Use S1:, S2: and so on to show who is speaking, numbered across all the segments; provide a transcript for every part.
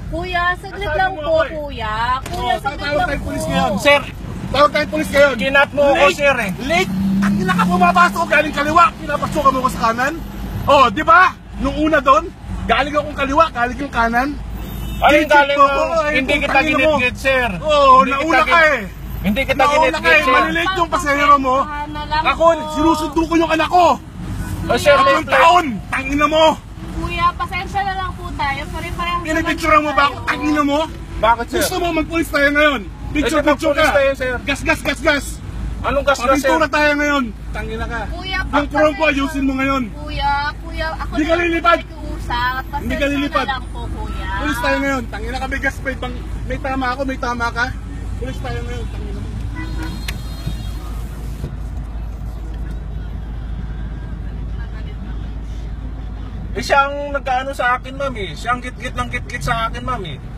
S1: Kuya, saglit lang po, kuya. Kuya, saglit
S2: Tawag
S1: lang
S2: tayong
S1: po.
S2: pulis ngayon.
S3: Sir,
S2: Tawag tayong pulis ngayon.
S3: kinat mo ako, sir eh.
S2: Late! Ang ina ka pumapasok galing kaliwa, pinapasukan mo ko sa kanan. Oh, di ba? Nung una doon, galing akong kaliwa, galing yung kanan.
S3: Ano yung galing
S2: mo?
S3: mo? Hindi kita ginit-git, sir.
S2: Oo,
S3: Hindi
S2: nauna
S3: kita
S2: ka eh.
S3: Hindi kita
S2: Nauna ka
S3: ginit-git,
S2: eh,
S3: sir.
S2: malilate yung pasahero mo. Ako, sinusundo ko yung anak ko.
S3: O, sir,
S2: Tatlong taon, tangina mo.
S1: Kuya, pasensya na lang po tayo. Pare-parehas naman
S2: Pinipicturean mo ba ako,
S1: tayo.
S2: tangina mo?
S3: Bakit, sir?
S2: Gusto mo magpulis tayo ngayon? Picture ka.
S3: magpulis tayo, sir.
S2: Gas.
S3: Anong gas na, sir?
S2: Pagpintura tayo ngayon. Tangina ka.
S1: Kuya,
S2: Yung prom ko, ayusin mo ngayon.
S1: Kuya, ako
S2: Hindi ka
S1: na lang
S2: lilipad.
S1: nakikiusap.
S2: Hindi ka lilipad.
S1: Pasensya na lang po, kuya.
S2: Pulis tayo ngayon. Tangina ka, may gas pa ibang... May tama ako, may tama ka. Pulis tayo ngayon. Tangina mo.
S3: Eh, siyang nagkaano sa akin, ma'am eh. Siyang git-git ng git-git sa akin, ma'am eh.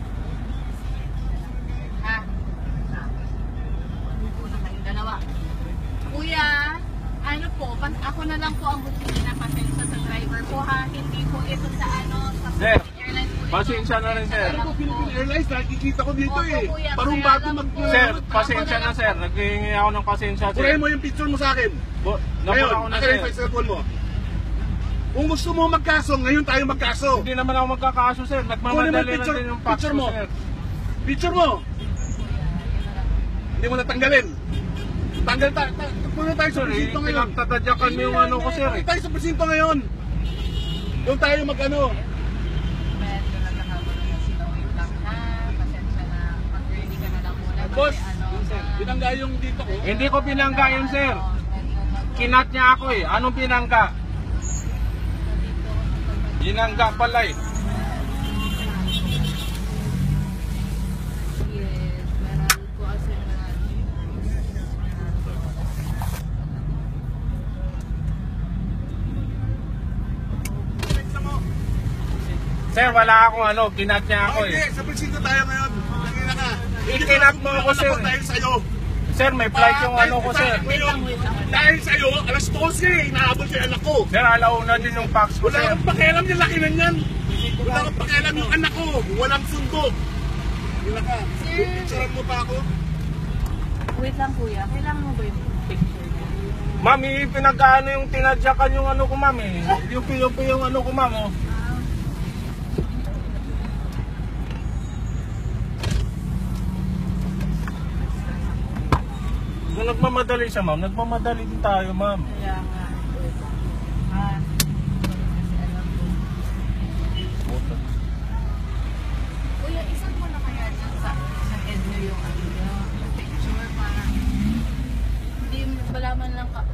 S1: Ha? Una kayong dalawa. Kuya, ano po, ako na lang po ang bumili ng pasensya sa driver po ha. Hindi po ito sa sa
S3: Sir,
S1: Philippine Airlines po ito.
S3: pasensya na rin, sir.
S2: Ano ko, Philippine Airlines, nakikita ko dito
S1: Opo,
S2: eh.
S1: kuya,
S2: Parang
S1: kaya
S2: bago
S1: lang
S2: mag...
S1: po.
S3: Sir, pasensya na, sir. Naghihingi ako ng pasensya, sir.
S2: Purahin mo yung picture mo sa akin.
S3: Nabura
S2: Ngayon,
S3: ako na,
S2: akin
S3: sir.
S2: yung cellphone mo. Kung gusto mo magkaso, ngayon tayo magkaso.
S3: Hindi naman ako magkakaso, sir.
S2: Kunin mo
S3: Nagmamadali
S2: yung
S3: na din yung fax
S2: picture
S3: ko,
S2: mo.
S3: sir.
S2: Picture mo. Hindi mo natanggalin. Tanggal tayo. Puno tayo sa
S3: Sir,
S2: presinto ngayon.
S3: pinagtatadyakan mo yung ano ko, sir.
S2: Puno tayo sa presinto ngayon. Doon tayo mag-ano.
S1: Medyo nagkakagulo na sila. Wait lang ha. Pasensya na. Mag-ready ka na lang muna.
S2: Boss,
S1: Kasi
S2: binangga yung dito ko.
S3: Hindi ko pinangga yun, sir. Kinat niya ako eh. Anong pinangga? Binangga pala eh.
S1: Yes, meron po kasi
S3: Sir, wala akong ano. Kinat niya ako
S2: Okay,
S3: eh.
S2: sa presinto tayo ngayon. Tangina ka.
S3: Ikinap mo ako, sir.
S2: Dahil sa'yo.
S3: Sir, may flight yung ano ko, sir.
S2: Dahil sa'yo, alas 12, inaabot yung anak ko.
S3: Sir, alauna din yung fax ko,
S2: Wala
S3: sir.
S2: kang pakialam yung laki na yan. Wala kang pakialam yung anak ko. Walang sundo. Wala ka. Picturean mo pa ako.
S1: Wait lang kuya, kailangan mo ba yung picture niya?
S3: Mami, pinagkaano yung tinadyakan yung ano ko, mami. Yung ano ko, ma'am, oh. Kung nagmamadali siya, ma'am, nagmamadali din tayo, ma'am.
S1: Kaya nga. Ah, kuya, isang mo na kaya dyan sa head nyo yung picture para hindi malaman lang